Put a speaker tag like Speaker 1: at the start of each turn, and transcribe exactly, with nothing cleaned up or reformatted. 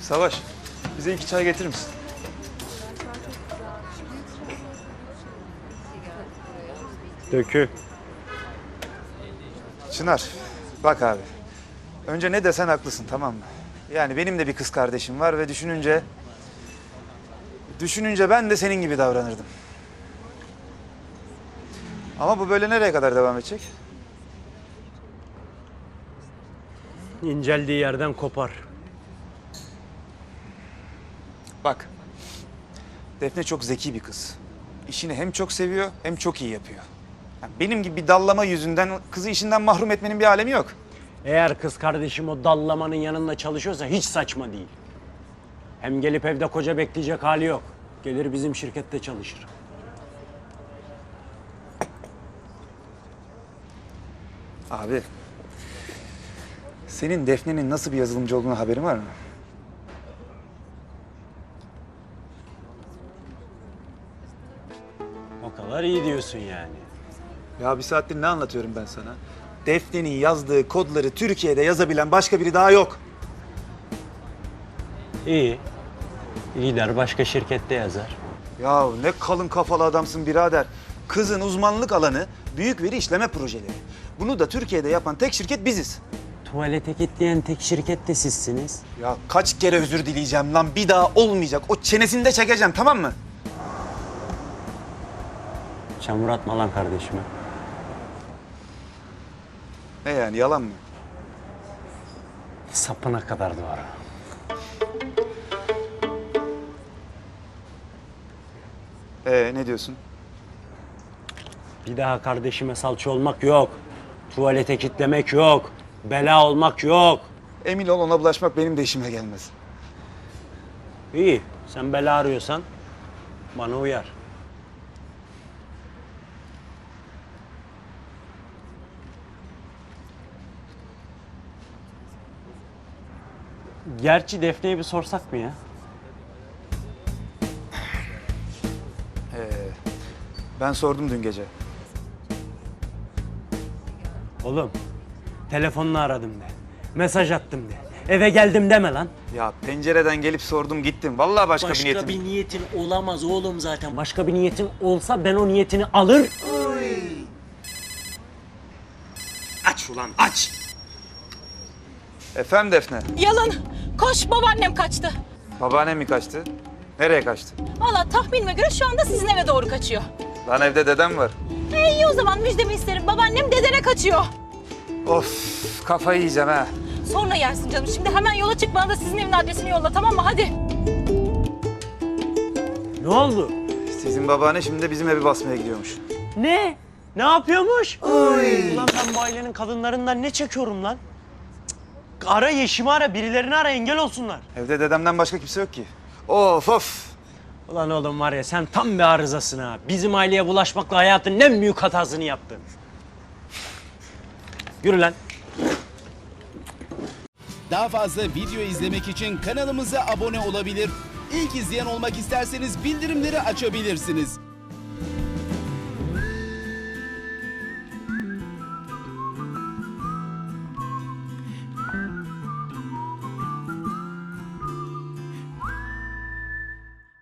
Speaker 1: Savaş, bize iki çay getirir misin?
Speaker 2: Dökü.
Speaker 1: Çınar, bak abi. Önce ne desen haklısın, tamam mı? Yani benim de bir kız kardeşim var ve düşününce... Düşününce ben de senin gibi davranırdım. Ama bu böyle nereye kadar devam edecek?
Speaker 2: İnceldiği yerden kopar.
Speaker 1: Bak, Defne çok zeki bir kız. İşini hem çok seviyor hem çok iyi yapıyor. Yani benim gibi bir dallama yüzünden kızı işinden mahrum etmenin bir alemi yok.
Speaker 2: Eğer kız kardeşim o dallamanın yanında çalışıyorsa hiç saçma değil. Hem gelip evde koca bekleyecek hali yok. Gelir bizim şirkette çalışır.
Speaker 1: Abi, senin Defne'nin nasıl bir yazılımcı olduğunu haberin var mı?
Speaker 2: O kadar iyi diyorsun yani.
Speaker 1: Ya bir saattir ne anlatıyorum ben sana? Defne'nin yazdığı kodları Türkiye'de yazabilen başka biri daha yok.
Speaker 2: İyi. Gider başka şirkette yazar.
Speaker 1: Ya ne kalın kafalı adamsın birader. Kızın uzmanlık alanı büyük veri işleme projeleri. Bunu da Türkiye'de yapan tek şirket biziz.
Speaker 2: Tuvalete kilitleyen tek şirket de sizsiniz.
Speaker 1: Ya kaç kere özür dileyeceğim lan, bir daha olmayacak. O çenesini de çekeceğim, tamam mı?
Speaker 2: Çamur atma lan kardeşime.
Speaker 1: Ne yani, yalan mı?
Speaker 2: Sapına kadar doğru.
Speaker 1: Ee ne diyorsun?
Speaker 2: Bir daha kardeşime salça olmak yok. Tuvalete kilitlemek yok. Bela olmak yok.
Speaker 1: Emin ol, ona bulaşmak benim de işime gelmez.
Speaker 2: İyi. Sen bela arıyorsan bana uyar. Gerçi Defne'ye bir sorsak mı ya?
Speaker 1: Ee, ben sordum dün gece.
Speaker 2: Oğlum, telefonla aradım de. Mesaj attım de. Eve geldim deme lan.
Speaker 1: Ya pencereden gelip sordum gittim. Vallahi başka,
Speaker 2: Başka
Speaker 1: bir niyetim.
Speaker 2: bir niyetin olamaz oğlum zaten. Başka bir niyetin olsa ben o niyetini alır. Aç ulan aç.
Speaker 1: Efendim Defne?
Speaker 3: Yalan. Koş, babaannem kaçtı.
Speaker 1: Babaannem mi kaçtı? Nereye kaçtı?
Speaker 3: Vallahi tahminime göre şu anda sizin eve doğru kaçıyor.
Speaker 1: Lan evde dedem var.
Speaker 3: E iyi o zaman, müjdemi isterim. Babaannem dedene kaçıyor.
Speaker 1: Of, kafayı yiyeceğim ha.
Speaker 3: Sonra yersin canım. Şimdi hemen yola çık, bana da sizin evin adresini yolla, tamam mı? Hadi.
Speaker 2: Ne oldu?
Speaker 1: Sizin babaanne şimdi de bizim evi basmaya gidiyormuş.
Speaker 2: Ne? Ne yapıyormuş? Ulan ben bu ailenin kadınlarından ne çekiyorum lan? Cık, ara Yeşim'i ara, birilerini ara, engel olsunlar.
Speaker 1: Evde dedemden başka kimse yok ki. Of of.
Speaker 2: Ulan oğlum var ya, sen tam bir arızasın ha. Bizim aileye bulaşmakla hayatın en büyük hatasını yaptın. Yürü lan.
Speaker 4: Daha fazla video izlemek için kanalımıza abone olabilir. İlk izleyen olmak isterseniz bildirimleri açabilirsiniz.